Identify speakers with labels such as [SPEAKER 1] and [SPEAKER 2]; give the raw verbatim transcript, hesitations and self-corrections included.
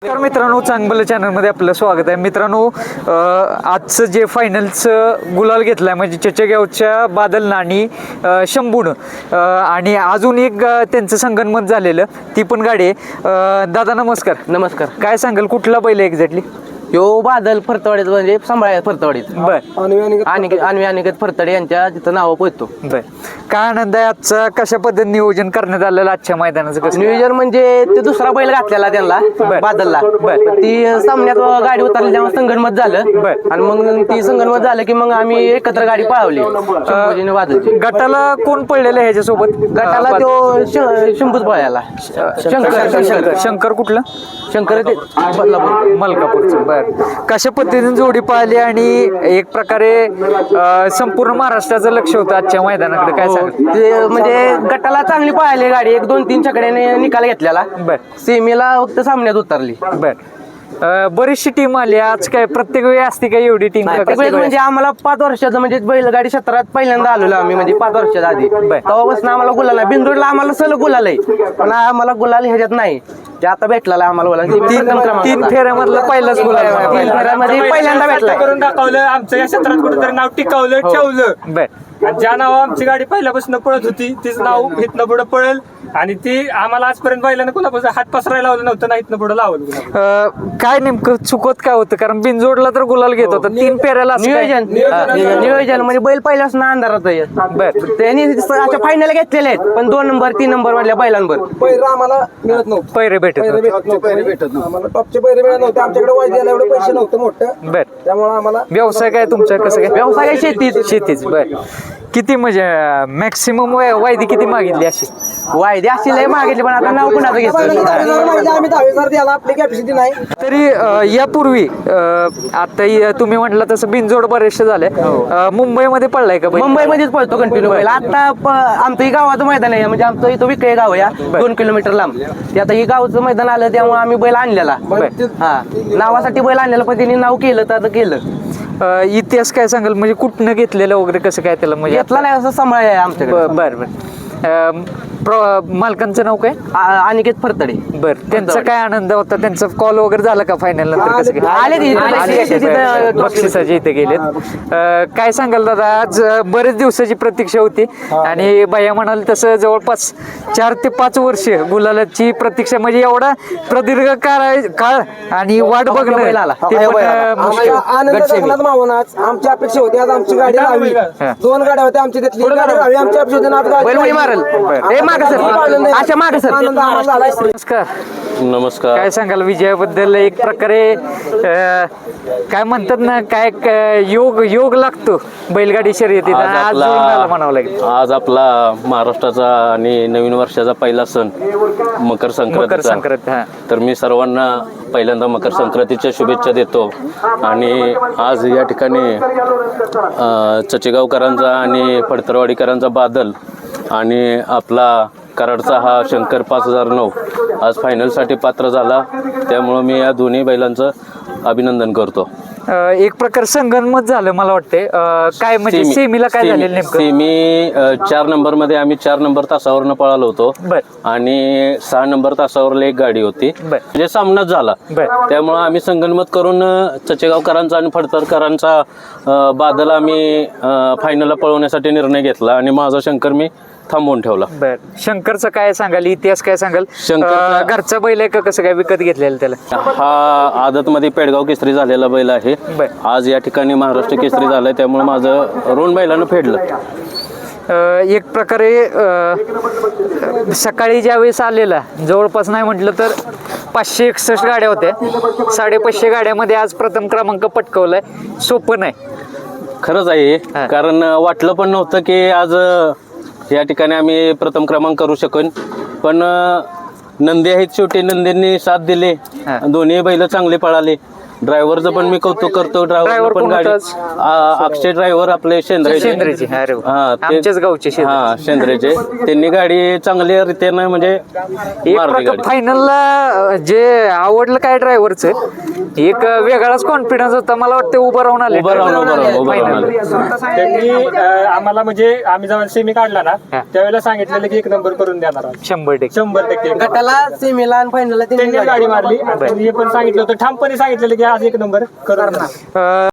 [SPEAKER 1] तर मित्रांनो, चांगलं चॅनलमध्ये आपलं स्वागत आहे. मित्रांनो, आजचं जे फायनलचं गुलाल घेतलाय म्हणजे चचेगावच्या बादलनं आणि शंभूनं आणि अजून एक त्यांचं संगनमत झालेलं, ती पण गाडी आहे. दादा नमस्कार.
[SPEAKER 2] नमस्कार.
[SPEAKER 1] काय सांगाल, कुठला बैल आहे एक्झॅक्टली?
[SPEAKER 2] यो बादल फरतवाडीत म्हणजे सांभाळा फरतवाडीत.
[SPEAKER 1] बर.
[SPEAKER 2] आणि अन्वी अनिकेत फरतडे यांच्या तिथं नाव पोहतो.
[SPEAKER 1] बर. काय आनंद आहे आजचा. कशा पद्धतीने नियोजन करण्यात आलेलं आजच्या मैदानाचं? कसं
[SPEAKER 2] नियोजन म्हणजे ते दुसरा बैल घातलेला त्यांना बादलला.
[SPEAKER 1] बर.
[SPEAKER 2] ती सामन्यात गाडी उतरली तेव्हा संगनमत झालं.
[SPEAKER 1] बर.
[SPEAKER 2] आणि मग ती संगनमत झालं की मग आम्ही एकत्र गाडी पळवली शंभूजीने बादलची.
[SPEAKER 1] गटाला कोण पडलेलं आहे ह्याच्यासोबत?
[SPEAKER 2] गटाला तो शंभूच पळायला. शंकर
[SPEAKER 1] शंकर शंकर कुठलं?
[SPEAKER 2] शंकर ते बदलापूर
[SPEAKER 1] मलकापूरचं. बर. कशा पद्धतीने जोडी पाहिली आणि एक प्रकारे अं, संपूर्ण महाराष्ट्राचं लक्ष होतं आजच्या मैदानाकडे. काय सांग?
[SPEAKER 2] ते म्हणजे गटाला चांगली पळाली गाडी. एक दोन तीन चकड्याने निकाल घेतलेला.
[SPEAKER 1] बर.
[SPEAKER 2] सेमीला फक्त सामन्यात उतरली.
[SPEAKER 1] बर. अं, बरीचशी टीम आली आज. काय प्रत्येक वेळी असते का एवढी टीम?
[SPEAKER 2] म्हणजे आम्हाला पाच वर्षाचं म्हणजे बैलगाडी क्षेत्रात पहिल्यांदा आलेलो आम्ही, म्हणजे पाच वर्षाच्या आधी. तेव्हापासून आम्हाला गुलाल आहे. बिंदूरला आम्हाला सलग गुलाल आहे, पण आम्हाला गुलाल ह्याच्यात नाही. जे आता भेटला आम्हाला गुलाल
[SPEAKER 1] तीन फेऱ्यामधला पहिलाच गुलाल.
[SPEAKER 2] तीन फेऱ्यामध्ये पहिल्यांदा भेटला.
[SPEAKER 3] करून दाखवलं आमचं या क्षेत्रात कुठेतरी नाव टिकवलं ठेवलं.
[SPEAKER 1] बर.
[SPEAKER 3] आणि ज्या नाव आमची गाडी पहिल्यापासून पळत होती तीच नाव इथनं पुढे पळेल. आणि ती आम्हाला आजपर्यंत बैलानं कोणापासून हात पसरायला लावलं नव्हतं ना, इथनं पुढे लावलं.
[SPEAKER 1] अं, काय नेमकं चुकत काय होतं? कारण बिनजोडला तर गुलाल घेत होता, तीन फेऱ्याला असं काय?
[SPEAKER 2] नियोजन नियोजन म्हणजे बैल पहिल्यापासून अंधारात आहे.
[SPEAKER 1] बर.
[SPEAKER 2] त्यांनी अशा फायनल घेतलेले आहेत, पण दोन नंबर तीन नंबर मधल्या बैलांवर
[SPEAKER 4] पैर आम्हाला मिळत नव्हतं.
[SPEAKER 1] पैरे भेटत
[SPEAKER 4] पैरे
[SPEAKER 1] नव्हते.
[SPEAKER 4] भेटत नव्हते. पैरे भेटत नव्हते. आम्हाला टॉपचे पैरे मिळत नव्हते. आमच्याकडे वायद्याला एवढे पैसे नव्हते मोठं.
[SPEAKER 1] बर.
[SPEAKER 4] त्यामुळे आम्हाला
[SPEAKER 1] व्यवसाय काय तुमचा? कसं काय?
[SPEAKER 2] व्यवसाय काय? शेतीच.
[SPEAKER 1] शेतीच. बर. किती म्हणजे मॅक्सिमम वायदी किती मागितली अशी?
[SPEAKER 2] वायदे अशी लय मागितली, पण आता नाव कुणाचं घेतलं?
[SPEAKER 4] आम्ही दहावीसार द्यायला आपली कॅपॅसिटी नाही.
[SPEAKER 1] तरी अं, यापूर्वी अं, आता य- तुम्ही म्हटलं तसं बिनजोड बरेचसे झाले. अं, मुंबईमध्ये पडलाय का बैल?
[SPEAKER 2] मुंबईमध्येच पळतो कंटिन्यू बैल. आता प- आमचं ही गावाचं मैदान आहे, म्हणजे आमचं इथं विकळे गाव आहे, या दोन किलोमीटर लांब. ते आता ही गावचं मैदान आलं त्यामुळे आम्ही बैल आणलेला. हा, नावासाठी बैल आणलेला, पण त्यांनी नाव केलं तर आता केलं.
[SPEAKER 1] अं, इतिहास काय सांगाल? म्हणजे कुठनं घेतलेलं वगैरे कसं काय त्याला? म्हणजे
[SPEAKER 2] घेतला नाही असं सांभाळ आहे आमच्याकडे.
[SPEAKER 1] बर बर बर. अं, प्र- मालकांचं नाव काय?
[SPEAKER 2] आ- अनिकेत फरतडे.
[SPEAKER 1] बर. त्यांचा काय आनंद होता? त्यांचा कॉल वगैरे झाला का फायनल नंतर? कसं काय?
[SPEAKER 2] आले ते इथं.
[SPEAKER 1] आले ते,
[SPEAKER 2] तिथं-
[SPEAKER 1] बर. बक्षिसाचे इथे गेलेत. अं, काय सांगाल दादा? आज अं, बरेच दिवसाची प्रतीक्षा होती आणि भैया म्हणाल तसं जवळपास चार ते पाच वर्ष गुलालाची प्रतीक्षा, म्हणजे एवढा प्रदीर्घ काळ काळ आणि वाट बघणं
[SPEAKER 2] बैल आला.
[SPEAKER 1] ते पण, अं, मुश्किल.
[SPEAKER 4] आम्हाला आनंद जगन्नाथ मावनाच आमची अपेक्षा होती. आज आमची गाडी राहावी. दोन गाड्या होत्या आमची, त्यातली एक गाडी राहावी आमची अपेक्षा होती. आज गाडी
[SPEAKER 2] बैल उडी मारल. ए माग सर, अशा माग सर.
[SPEAKER 4] आनंद आम्हाला झाला.
[SPEAKER 1] नमस्कार.
[SPEAKER 5] नमस्कार.
[SPEAKER 1] काय सांगाल विजयाबद्दल? एक प्रकारे अं, काय म्हणतात ना, काय क- योग योग लागतो बैलगाडी शर्यतीत.
[SPEAKER 5] आज
[SPEAKER 1] आज जुळून आला म्हणावं
[SPEAKER 5] आपला
[SPEAKER 1] लागेल.
[SPEAKER 5] आज आपला महाराष्ट्राचा आणि नवीन वर्षाचा पहिला सण मकर
[SPEAKER 1] मकर
[SPEAKER 5] संक्रांतीचा.
[SPEAKER 1] संक्रांत. हा.
[SPEAKER 5] तर मी सर्वांना पहिल्यांदा मकर संक्रांतीच्या शुभेच्छा देतो. आणि आज या ठिकाणी अ, चचेगावकरांचा आणि फडतरवाडीकरांचा बादल आणि आपला कराडचा हा शंकर पाच हजार नऊ आज फायनलसाठी पात्र झाला. त्यामुळं मी या दोन्ही बैलांचं अभिनंदन करतो.
[SPEAKER 1] अं, एक प्रकार संगनमत झालं मला वाटते. अं, काय म्हणजे
[SPEAKER 5] सेमी-
[SPEAKER 1] सेमीला काय
[SPEAKER 5] सेमी-
[SPEAKER 1] झालेलं नेमकं?
[SPEAKER 5] सेमी अ, चार नंबर मध्ये आम्ही चार नंबर तासावरनं पळालो होतो.
[SPEAKER 1] बर.
[SPEAKER 5] आणि सहा नंबर तासावर एक गाडी होती.
[SPEAKER 1] बर.
[SPEAKER 5] म्हणजे सामनाच झाला.
[SPEAKER 1] बर.
[SPEAKER 5] त्यामुळं आम्ही संगनमत करून अ, चचेगावकरांचा आणि फडतरकरांचा अ, बादल आम्ही फायनलला पळवण्यासाठी निर्णय घेतला आणि माझा शंकर मी थांबवून ठेवला.
[SPEAKER 1] बर. शंकरचं काय सांगाल? इतिहास काय सांगाल?
[SPEAKER 5] शंकरचा-
[SPEAKER 1] अं, घरचा बैल आहे का कसं काय? विकत घेतलेलं त्याला?
[SPEAKER 5] हा आदतमध्ये पेडगाव केसरी झालेला बैल आहे.
[SPEAKER 1] बर.
[SPEAKER 5] आज या ठिकाणी महाराष्ट्र केसरी झालाय, त्यामुळे माझं रोन बैलानं फेडलं.
[SPEAKER 1] अं, एक प्रकारे अं, सकाळी ज्यावेळेस आलेला, जवळपास नाही म्हटलं तर पाचशे एकसष्ट गाड्या होत्या. साडेपाचशे गाड्यामध्ये आज प्रथम क्रमांक पटकवलाय. सोपं नाही.
[SPEAKER 5] खरंच आहे,
[SPEAKER 1] हा.
[SPEAKER 5] कारण वाटलं पण नव्हतं की आज अ, या ठिकाणी आम्ही प्रथम क्रमांक करू शकन. पण अ, नंदी आहेत, शेवटी नंदींनी साथ दिली.
[SPEAKER 1] हा.
[SPEAKER 5] दोन्ही बैल चांगले पळाले. ड्रायव्हरचं पण मी कौतुक करतो.
[SPEAKER 1] Driver
[SPEAKER 5] ड्रायव्हर पण
[SPEAKER 1] कोण
[SPEAKER 5] गाडी
[SPEAKER 1] होतं?
[SPEAKER 5] आ, अक्षय ड्रायव्हर आपले शेंद्रे
[SPEAKER 1] शेंद्रेचे. अरे वा.
[SPEAKER 5] हा, ते-
[SPEAKER 1] आमच्याच गावचे शेंद्रे.
[SPEAKER 5] हा शेंद्रेचे. त्यांनी गाडी चांगल्या रीतीनं म्हणजे
[SPEAKER 1] एक
[SPEAKER 5] मारली
[SPEAKER 1] प्रकार
[SPEAKER 5] गाडी.
[SPEAKER 1] फायनलला जे आवडलं काय ड्रायव्हरचं, एक वेगळाच कॉन्फिडन्स होता मला वाटतं उभं राहून आले
[SPEAKER 5] उभं राहून उभं राहून उभं राहून आले.
[SPEAKER 3] त्यांनी अं, आम्हाला म्हणजे आम्ही जेव्हा सेमी काढला ना त्यावेळेला सांगितलेलं की एक नंबर करून देणार आज.
[SPEAKER 1] शंभर टक्के
[SPEAKER 3] शंभर टक्के
[SPEAKER 2] गटाला सेमीला आणि फायनलला
[SPEAKER 3] त्यांनी गाडी मारली आणि त्यांनी हे पण सांगितलं होतं ठामपणे सांगितलेलं की आज एक नंबर करून देणार.
[SPEAKER 1] अं,